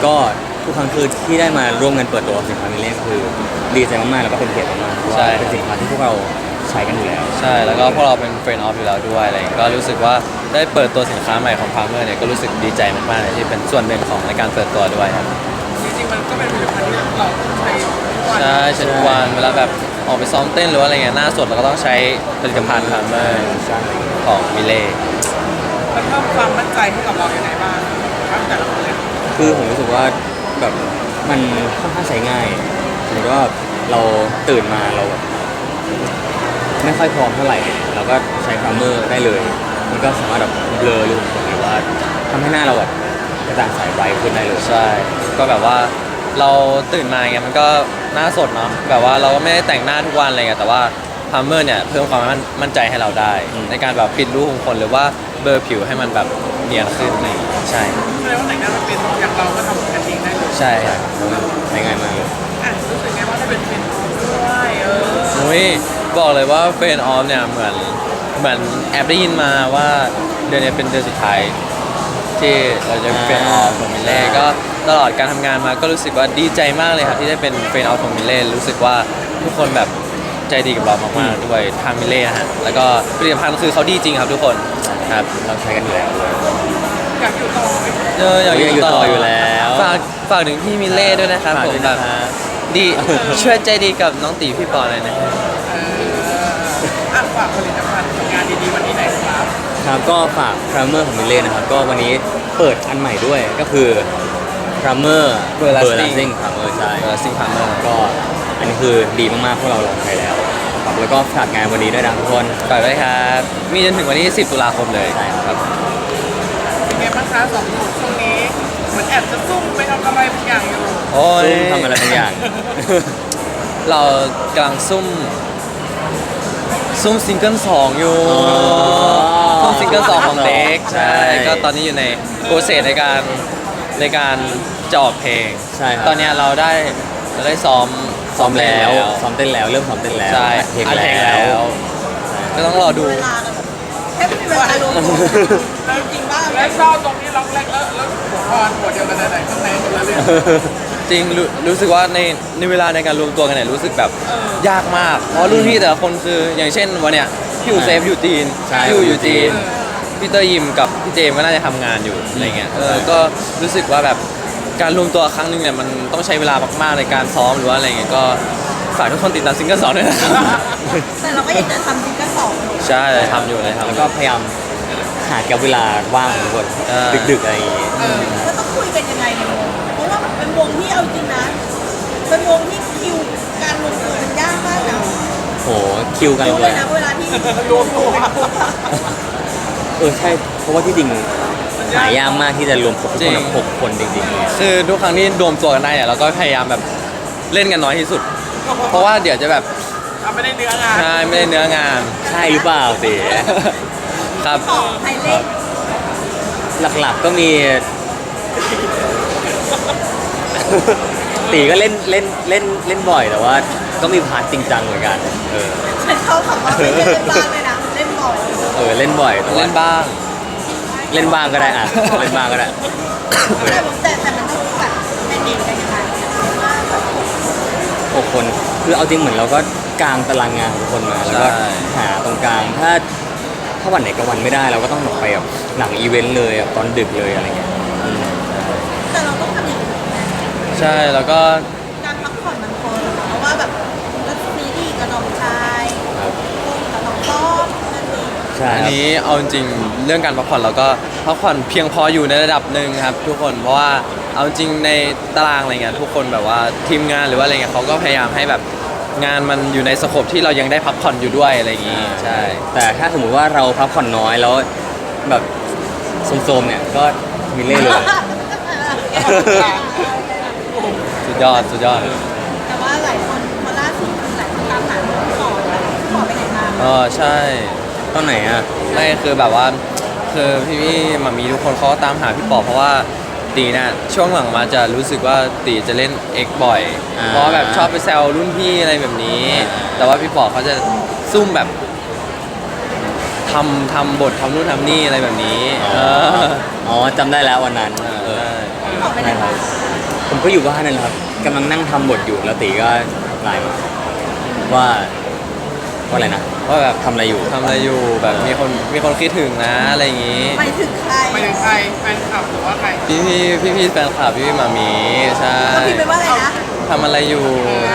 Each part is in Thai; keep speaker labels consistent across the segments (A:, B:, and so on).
A: ก็ทุกครั้งคือที่ได้มาร่วมกันเปิดตัวสินค้ามิเล่คือดีใจมากๆแล้วก็เป็นเกียรติมากๆเพราะว่าเป็นสินค้าที่พวกเราใช้กันอยู่แล้ว
B: ใช่แล้วก็พวกเราเป็นเฟรนด์ออฟอยู่แล้วด้วยอะไรอย่างเงี้ยก็รู้สึกว่าได้เปิดตัวสินค้าใหม่ของพาร์เมอร์เนี่ยก็รู้สึกดีใจมากๆเลยที่เป็นส่วนหนึ่งของในการเปิดตัวด้วยครับ
C: จริงๆมันก็เป็นผลิตภัณฑ์ที่เราใช้ทุกวัน
B: ใช่เช่นทุกวันเวลาแบบออกไปซ้อมเต้นหรือว่าอะไรเงี้ยหน้าสดเราก็ต้องใช้ผลิตภัณฑ์พาร์เมอร์ของมิเล่
C: มันเพิ่มความมั่นใจให้กับเราอย่างไรบ้างครับแต่ละคนเลย
A: คือผมรู้สึกว่าแบบมันค่อนข้างใช้ง่ายสมมติว่าเราตื่นมาเราแบบไม่ค่อยพร้อมเท่าไหร่เราก็ใช้พรามเมอร์ได้เลยมันก็สามารถแบบเบลอรูขุมขนหรือว่าทำให้หน้าเราแบบกระจ่างใสไบรท์ขึ้นได้เลย
B: ใช่ก็แบบว่าเราตื่นมาเงี้ยมันก็หน้าสดเนาะแบบว่าเราก็ไม่ได้แต่งหน้าทุกวันอะไรเงี้ยแต่ว่าพาร์เมอร์เนี่ยเพิ่มความมั่นใจให้เราได้ ในการแบบปิดรูขุมขนหรือว่าเบลอผิวให้มันแบบเนียนขึ้นอะไรอย่างงี้ใช่
C: แสดงว่าแต่งหน้ามันเป็นอย่างเราก็ทำกันเองได้เลย
B: ใช่ครับ
A: ใช้ง่ายมากเลย
C: อ่ะรู้สึกไงว่าได้เป็นเทรนด์ด้วย
B: อุ้ยบอกเลยว่าเฟรนออฟเนี่ยเหมือนแอบได้ยินมาว่าเดือนนี้เป็นเดือนสุดท้ายที่เราจะเป็นเฟรนออฟของมิเล่ก็ตลอดการทำงานมาก็รู้สึกว่าดีใจมากเลยครับที่ได้เป็นเฟรนออฟของมิเล่รู้สึกว่าทุกคนแบบใจดีกับเรามากๆด้วยทางมิเล่นะฮะแล้วก็ผลิตภัณฑ์คือเขาดีจริงครับทุกคนครับ
A: เราใช้กันอยู่แล้วเลย
C: อยากอยู่ต่อไหม
B: อยากอยู่ต่อ
A: อยู่แล้ว
B: ฝากถึงพี่มิเล่ด้วยนะครับ
A: ฝาก
B: ผ
A: ด้
B: ม
A: วย
B: แบ
A: นะ
B: บ
A: ฮะ
B: ดีช่วยใจดีกับน้องตีพี่ปอเลยนะฮะ
C: อ่ะฝากผลิตภัณฑ์งานดีๆวันนี้หน่อยครับ
A: ครับก็ฝากพรามเมอร์ของมิเล่นะครับก็วันนี้เปิดอันใหม่ด้วยก็คือพรามเมอร์เบอร์ลาซิ่งพรามเมอร์ใช่
B: ซิงพาร์เมอร์
A: ก็อันนี้คือดีมากๆพวกเราลองใช้แล้วครับแล้วก็ฝากงานวันนี้ด้วยนะทุกคน
B: ฝากด้วยครับมีจนถึงวันที่ 10 ตุลาคมเลย
A: ใช่ครับ
C: เป็นไงบ้างคะสองหนุ่มช่วงนี้เหมือนแอบจะซุ่มไปทำอะไรบางอย่างอยู่
B: โอ้ย
A: ซุ่มทำอะไรบางอย่าง
B: เรากำลังซุ่มซิงเกิล2อยู่
A: อ๋อ
B: ซุ่มซิงเกิล2ของเด็ก
A: ใช่
B: ใช่ก็ตอนนี้อยู่ในโปรเซสในการจะออกเพลง
A: ใช่ครับ
B: ตอนเนี้ยเราได้ซ้อม
A: ซ้อมแล้ว
B: เต้น
A: ซ้อมเต้นแล้วเริ่มซ้อมเต้นแล้ว
B: ใช่
A: อัดเพลง
B: อัดเพลง
A: แล้
B: แล้ว ว ก็ต้องรอดู
D: เวลากันแบบแทบไม่มีเวลารวมตัวจริงๆว่า
C: และชอบตรงที่ล็อกแรกแล้วหัวพรหัวเดียวกันไหนๆข้างในคนละเรื่อง
B: จริงรู้สึกว่าในเวลาในการรวมตัวกันเนี่ยรู้สึกแบบยากมากเพราะรุ่นพี่แต่ละคนคืออย่างเช่นวันเนี้ยพี่อูเซฟอยู่จีน
A: ใช่
B: พี่อูอยู่จีนพี่เตอร์ยิมกับพี่เจมส์ก็น่าจะทำงานอยู่อะไรเงี้ยก็รู้สึกว่าแบบการรวมตัวครั้งหนึงเนี่ยมันต้องใช้เวลามากๆในการซ้อมหรือว่าอะไรเงี้ยก็ฝากทุกคนติดตามซิงเกิล2ด้วยนะครับ
D: แต่เราก็ยังจะทำซิงเกิลสองอยู่
B: ใช่ทำอยู่เลยครับ
A: แล้วก็พยายามหาแกับเวลาว่างของทุกคน
B: ใช่
A: ดึกๆอะไรอย่างงี้
D: ก็ต้องคุยกันยังไงในวงเพราะว่าเป็นวงที่เอาจริงนะเป็นวงที่คิวการรวมตัวมันยากมากนะ
A: โหคิวกัน
D: รู้
A: เล
D: เลย ยนะเวลาที่รวมตัวเป็นกลุ่มอะ
A: ใช่เพราะว่าที่จริงหายากมากที่จะรวมครบทุก
B: จริ
A: คน
B: ง
A: แบบ6 คนจริงๆเลย
B: คือทุกครั้งที่รวมตัวกันได้เนี่ยเราก็พยายามแบบเล่นกันน้อยที่สุด เพราะว่าเดี๋ยวจะแบบ
C: ทำไม่ได้เนื้องาน
B: ใช่ไม่ได้เนื้องาน
A: ใช่หรือเปล่าตี
B: ครับ
D: ต่อไทยเล่น
A: หลักๆก็มี ตีก็เล่นบ่อยแต่ว่า ก็มีพาร์ทจริงจังเหมือนกันเออ
D: ฉันเข้าคำว่าไม่เล่นบ้างเลยนะเล่นบ่อย
A: เล่นบ่อยแต่ว่า
B: เล่นบ้าง
A: เล่นบ้างก็ได้อ่ะเล่นบ้างก็ได้
D: แต่มันต้องแบบเป็นเด็กกันยังไงว่าแบบ
A: 6 คนคือเอาจริงเหมือนเราก็กางตารางงานของทุกคนมาแล้วก็
B: ใช่
A: หาตรงกลางถ้าวันไหนกับวันไม่ได้เราก็ต้องแบบไปแบบหลังอีเวนต์เลยแบบตอนดึกเลยอะไรเงี้ย
D: แต่เราต้องทำอย่างอื่นนะ
B: ใช่แล้วก็
D: การพักผ่อนมันพอหรอเพราะว่าแบบรัศมีดีกับน้องชาย
A: ครับ
D: กับน้องต้อมนั่นเอง
A: ใช่
B: อัน
A: ครับ
B: นี้เอาจริงๆเรื่องการพักผ่อนเราก็พักผ่อนเพียงพออยู่ในระดับหนึ่งครับ ทุกคนเพราะว่าเอาจริงในตารางอะไรเงี้ยทุกคนแบบว่าทีมงานหรือว่าอะไรเงี้ยเขาก็พยายามให้แบบงานมันอยู่ในสโคปที่เรายังได้พักผ่อนอยู่ด้วยอะไรอย่างงี้ใช่
A: แต่ถ้าสมมุติว่าเราพักผ่อนน้อยแล้วแบบโซมๆเนี่ยก็มีเล่เลย
B: สุดยอดสุดยอด
D: แต่ว่าหลายคนพอล่าสุดหลายคนตามหาหมอหมอไปไหนมา
B: ใช่
A: ตอนไหนอ่ะ
B: ไม่คือแบบว่าคือพี่ๆมามีทุกคนเขาก็ตามหาพี่ปอเพราะว่าตีน่ะช่วงหลังมาจะรู้สึกว่าตีจะเล่นเอ็กบ่อย เพราะว่าแบบชอบไปแซวรุ่นพี่อะไรแบบนี้ แต่ว่าพี่ปอเขาจะซุ่มแบบทำบททำนู่นทำนี่อะไรแบบนี้
A: อ๋อ อ๋อจำได้แล้ววันนั้น
B: ใช่
D: บอกไปไหน
A: ใช่ครั
D: มา
A: บผมก็อยู่บ้านนั่นแหละครับกำลังนั่งทำบทอยู่แล้วตีก็ไลน์มาว่าอะไรนะ
B: ว่าแบบ
A: ทำอะไรอยู่
B: ทำอะไรอยู่แบบมีคนคิดถึงนะอะไรอย่างงี้
D: ไปถึงใคร
C: ไปถึงใครแฟนคลับหรือว่าใคร
B: พี่แฟนคลับพี่หมามีใช่
D: ก็พิมพ์ไปว่าอะไรนะ
B: ทำอะไรอยู่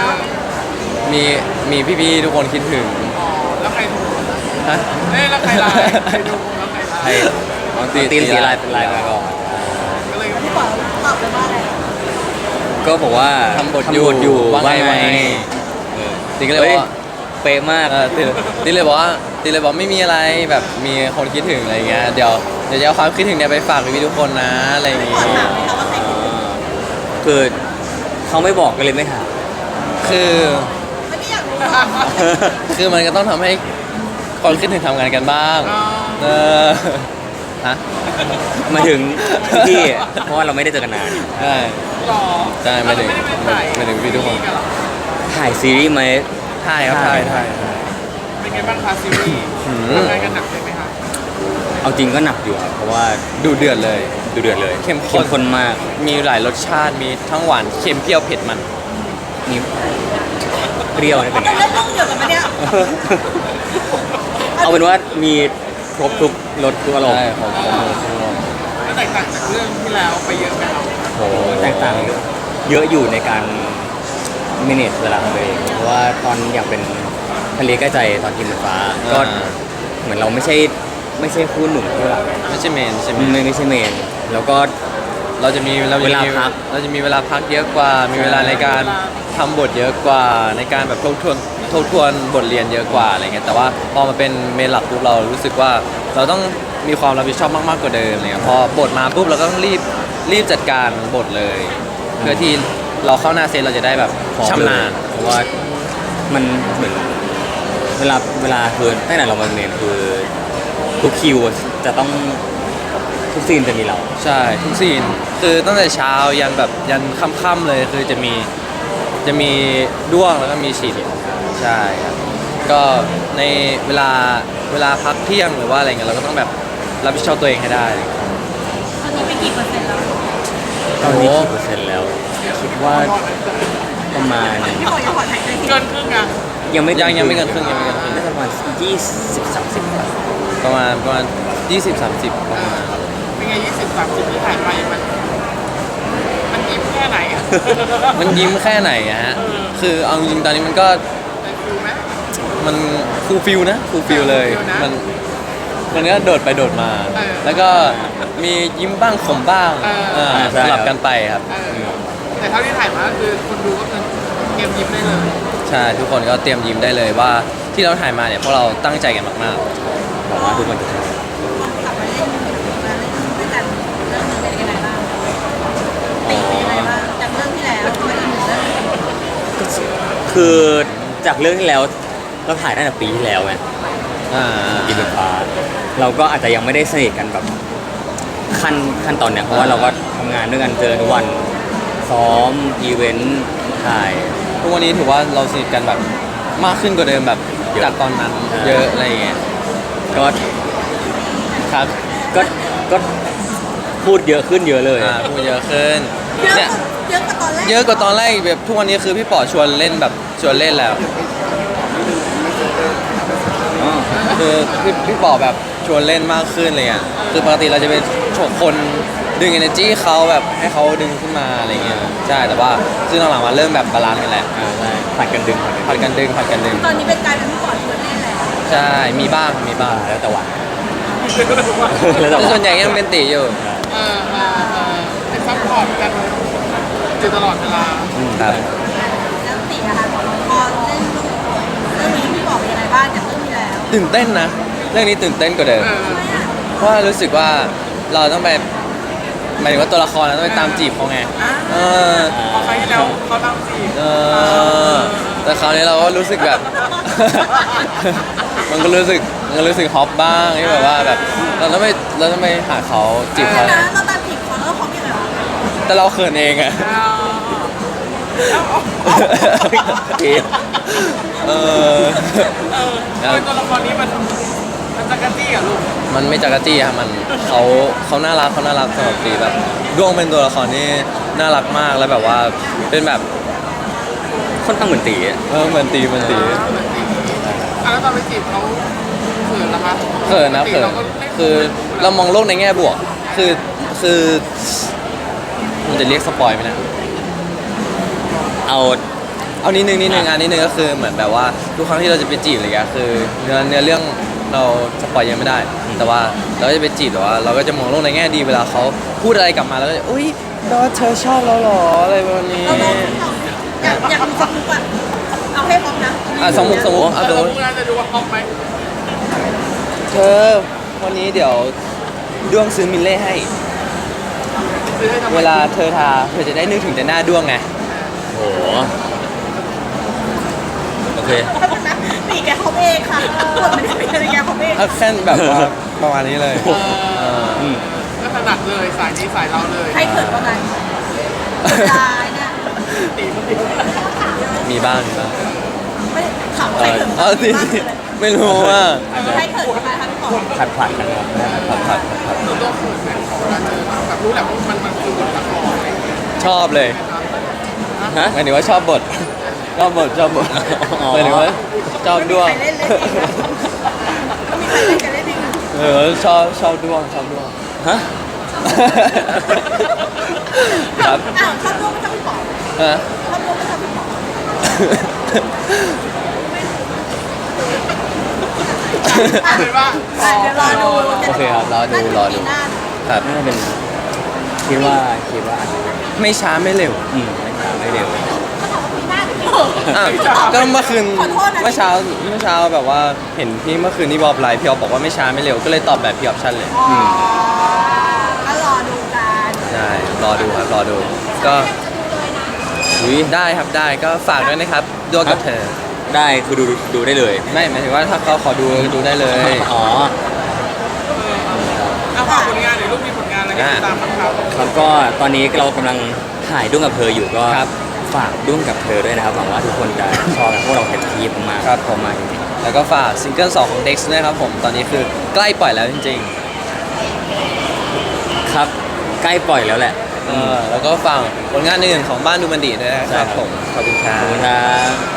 B: มีพี่ทุกคนคิดถึง
C: อ๋อแล้วใครดู
B: ฮะ
C: แล้วใครไลน์ใครดูแล้วใครไล
A: ใคร
C: น์
A: อ๋อตีนสีไลน์เป็นไลน์มาก่อน
C: ก็เลย
D: พี่บอกตอบไปว่าอะไร
A: ก็บอกว่า
B: ทำบทอยู่
A: ว่าไง
B: ตีก็เลยบอกว่า
A: เป๊ะมาก
B: ตีเลยบอกว่าไม่มีอะไรแบบมีคนคิดถึงอะไรเงี้ยเดี๋ยวจะเอาความคิดถึงเนี่ยไปฝากพี่ทุกคนนะอะไรอย่าง
D: พี่
B: งี้
D: บอกถามไหมคะว่าใครคิดถึง
A: คือเขาไม่บอกก็เลยไม่ถาม
B: คือ
D: ไม่ได้อยากรู้หรอก
B: คือมันก็ต้องทำให้คนคิดถึงทำงานกันบ้าง
C: อ๋อ
B: เออฮะ
A: มาถึงพี่เพราะว่าเราไม่ได้เจอกันนาน
B: ใช่
C: หรอ
B: ใช่ไม่ถึง
C: เราไม่ได้ไปถ่าย
B: ไม่ถึงพี่ทุกคน
C: เหรอ
A: ถ่ายซีรีส์ไหม
B: ถ่ายครับถ่าย
C: เป็นไงบ้างคะซีรีส์
B: อืม
C: ทำงานกันหนักเลยไหมคะ
A: เอาจริงก็หนักอยู่ครับเพราะว่า
B: ดูเดือดเลย
A: ดูเดือดเลย
B: เข้มข้น
A: ข้นมาก
B: มีหลายรสชาติมีทั้งหวานเค็มเปรี้ยวเผ็ดมัน
A: มีเปรี้ยวนี่เป็นไง
D: เอาเล่นเรื่องเดียวกันไหมเนี่ย
A: เอาเป็นว่ามีครบทุกรสทุกอารมณ์
B: ใช่ของผม
C: แล้วแตกต่างจากเรื่องที่แล้วไปเยอะไหมครับ
A: โหแตกต่างเยอะอยู่ในการ manage เวลาของตัวเองเพราะว่าตอนอยากเป็นทะเลใกล้ใจตอนทีมเหมือนฟ้าก็เหมือนเราไม่ใช่คู่หนุ่มคู่หลักไง
B: ไม่ใช่เมนใช่ไหม
A: ไม่ใช่เมนแล้วก็
B: เราจะมี
A: เวลาพัก
B: เราจะมีเวลาพักเยอะกว่า มีเวลาในการทำบทเยอะกว่า ในการแบบทบทวนบทเรียนเยอะกว่าอะไรเงี้ยแต่ว่าพอมาเป็นเมนหลักปุ๊บเรารู้สึกว่าเราต้องมีความรับผิดชอบมากๆกว่าเดิมอะไรเลยพอบทมาปุ๊บเราก็ต้องรีบจัดการบทเลย เพื่อที่เราเข้าหน้าเซตเราจะได้แบบ
A: พร้อม
B: ชำนาญ
A: เพราะว่ามันเหมือนเวลาคือตั้งแต่เรามาเมนคือทุกคิวจะต้องทุกซีนจะมีเรา
B: ใช่ทุกซีนคือตั้งแต่เช้ายันแบบยันค่ำๆเลยคือจะมีด้วงแล้วก็มีฉีดใช่ครับก็ในเวลาพักเที่ยงหรือว่าอะไรเงี้ยเราก็ต้องแบบรับผิดชอบตัวเองให้ได้
D: ตอนนี้ไปกี่เปอร์เซ็นต์แล้ว
A: ตอนนี้กี่เปอร์เซ็นต์แล้ว คิดว่าประมาณ
D: พี่บอกอย่าขอถ่ายใจที
C: เกินครึ่งอ่ะ
A: ยังไม่
B: ยังไม่เกินครึ่ง
A: น่าจะประมาณ20-30
B: ประมาณ20-30ประมาณ
C: เป็นไง20-30ที่ถ่ายไปมันยิ้มแค่ไหนอ่ะ
B: มันยิ้มแค่ไหนอะฮะคือเอาจริงๆตอนนี้มันก็
C: ได้ฟิลไหม
B: มันฟูลฟิลนะฟูลฟิลเลย
C: ฟูลฟิลนะ
B: มันก็โดดไปโดดมา
C: เออ
B: แล้วก็มียิ้มบ้างขมบ้าง
C: เออ
B: สลับกันไปครับ
C: แต่เท่าที่ถ่ายมาก็คือคนดูก็คือเตรียมยิ้มได้เลย
B: ใช่ทุกคนก็เตรียมยิ้มได้เลยว่าที่เราถ่ายมาเนี่ยเพราะเราตั้งใจกันมาก
A: หวังว่าทุกคนจะชอบ
D: กลับมาเล่นด้วยกันเรื่องนี้เป็นยังไงบ้างตีเป็นยังไงบ้างจากเรื่องที่แล้วมาอีกหนึ่งเรื่อง
A: คือจากเรื่องที่แล้วเราถ่ายตั้งแต่ปีที่แล้วไง
B: ๆอ่า
A: กินเป็นฟ้าเราก็อาจจะยังไม่ได้สนิทกันแบบขั้นตอนเนี้ยเพราะว่าเราก็ทำงานด้วยกันเจอทุกวันซ้อมอีเวนต์ถ่าย
B: ทุกวันนี้ถือว่าเราสนิทกันแบบมากขึ้นกว่าเดิมแบบ
A: เยอะ
B: จากตอนนั้น
A: อ่า
B: เยอะอะไรอย่างเงี้ย
A: ก็
B: ครับ
A: ก็พูดเยอะขึ้นเยอะเลย
B: พูดเยอะขึ้น
D: เยอะ
B: เนี่ย
D: เยอะกว่าตอนแรก
B: เยอะกว่าตอนแรกอีกแบบทุกวันนี้คือพี่ป๋อชวนเล่นแบบชวนเล่นแล้ว
A: อ๋อ
B: คือพี่ป๋อแบบชวนเล่นมากขึ้นเลยอ่ะคือปกติเราจะเป็นโฉกคนดึง energy เขาแบบให้เขาดึงขึ้นมาอะไรเงี้ยใช่แต่ว่าซึ่งหลังๆมาเริ่มแบบบาลานซ์กันแหละ
A: ใช่ผัดกันดึง
B: ผัดกันดึงผัดกันดึง
D: ตอนนี้เป็นกลายเป็นพี่ปอดชวนเล่นแล้ว
B: ใช่มีบ้างมีบ้าง
A: แล้วแต่วัน
B: แต่ส่วนใหญ่ยังเป็นตีอยู่
C: เป็นซัพพอร์ตกันอยู่ตลอดเวลา
B: ครับ
D: แล้วตีอะค่ะพอเล่นเรื่องนี้พี่บอกเป็นยังไงบ้างจากเรื่องที่แล้ว
B: ตื่นเต้นนะเรื่องนี้ตื่นเต้นกว่าเดิม
D: ทำไมอะ
B: เพราะว่ารู้สึกว่าเราต้องไปหมายถึงว่าตัวละครเราต้องไปตามจีบเขาไงเออ
C: พอครั้งที่แล้วเขาตั้งจีบ
B: เออแต่คราวนี้เราก็รู้สึกแบบ มันก็รู้สึกฮอปบ้างที่แบบว่าแบบเราต้องไปหาเขาจีบ
D: เดี๋ย
B: เขา
D: วนะเราตามจีบเขาแล้วเขาเป็นยังไงวะ
B: แต่เราเขินเองอะ
A: โอเค
B: เออ
C: ตัวละครนี้มันมันจะกระจี้อ่ะลูก
B: มันไม่จักรจี้ครับมันเขาน่ารักสำหรับตีแบบด้วงเป็นตัวละครที่น่ารักมากแล้วแบบว่าเป็นแบบ
A: ค่อนข้างเหมือนตีอะ
B: เหมือนตี
C: อ่ะแล้วตอนไปจีบเขาเขินนะคะ
B: เขินนะเขิน
C: ราก็ไม่
B: คือเรามองโลกในแง่บวกคือมันจะเรียกสปอยไหมเนะ
A: เอา
B: เอานิดนึงอันนิดนึงก็คือเหมือนแบบว่าทุกครั้งที่เราจะไปจีบอะไรเงี้ยคือเนื้อเรื่องเราสปอยยังไม่ได้ แต่ว่าเราก็จะไปจีบแต่ว่าเราก็จะมองโลกในแง่ดีเวลาเขาพูดอะไรกลับมาแล้วก็จะอุ้ยดอเธอชอบเราเหรออะไรแบบนี้
D: เราอยากมีสมุกอ่ะเอาให้พร้อมนะ
B: สมมุติเอา
C: เรา
B: สมมติ
C: พูดแล้วจะดูว่าฮอปไหม
B: เธอวันนี้เดี๋ยวด้วงซื้อมิลเล่ให้
C: ซื้อให้ทำไม
B: เวลาเธอทาเธอจะได้นึกถึงแต่หน้าด้วงไง
A: โหโอเค
D: ปีแกเขาเองค่ะปวดไม่ได้เป็นอะไรแกเขาเอง
B: เอาแค่แบบว่าประมาณนี้เลยเออ
A: อืม
C: ก็ถนัดเลยสายนี้สายเราเลย
D: ใครเขินประมาณตายเนี่ย
C: ตีมันตี
B: มีบ้าง
D: ไม่ถามใครเขิน
B: เอาสิไม่รู้ว่า
D: ใครเขินประมาณคะพี่ป๋อง
A: ผัดกันครับผัด
C: ตัวตัวเขินไหมเวลาเจอแบบรู้แหละว่ามันคือบทละครอะไรอย่างเงี้ย
B: ชอบเลย
A: ฮะ
B: หมายถึงว่าชอบบทหมายถึงว่าชอบด้วง
D: ใครเล่นเองก็มีใครเล่นกันเล่นเอง
B: ชอบด้วง
A: ฮะ
B: ครับ
D: อ้าวชอบร่วมไม่ชอบพี่ป๋อง
B: ฮะ
D: ชอบร่วมไม่ชอบพี่ป๋อง
C: เอาเป็นว่า
D: เดี๋ยวรอดู
B: โอเคครับรอดู ครับ
A: น่าจะเป็นคิดว่าอาจจะเป็น
B: ไม่ช้าไม่เร็ว
A: ไม่ช้าไม่เร็ว
B: อ่ะก็เมื่อคืนเมื่อเช้าแบบว่าเห็นพี่เมื่อคืนที่บอกไลฟ์พี่ออฟบอกว่าไม่ช้าไม่เร็วก็เลยตอบแบบพี่ออฟชั่นเลย
D: อ๋อก็รอดูกัน
B: ใช่รอดูครับรอดู ก็
A: อุ้ย
B: ได้ครับได้ก็ฝากด้วยนะครับด้วงกับเธอ
A: ได้คือดูได้เลย
B: ไม่หมายถึงว่าถ้าเขาขอดูได้เลย
A: อ๋อ
C: เอาฝากผลงานหรือลูกมีผลงานอะไรให้ติดตามบ้างครับ
A: ครับก็ตอนนี้เรากำลังถ่ายด้วงกับเธออยู่ก็
B: ครับ
A: ฝากด้วงกับเธอด้วยนะครับหวังว่าทุกคนจะชอบพวกเราเต็มที่มากๆ
B: ครับผม
A: มากจริง
B: แล้วก็ฝากซิงเกิล2ของ Dex ด้วยครับผมตอนนี้คือใกล้ปล่อยแล้วจริง
A: ๆครับใกล้ปล่อยแล้วแหละ
B: ๆแล้วก็ฝากผลงานอื่นของบ้านดูมันดีด้วยนะครับผมขอบคุณครั
A: ขอบคุณ
B: บ
A: ครับ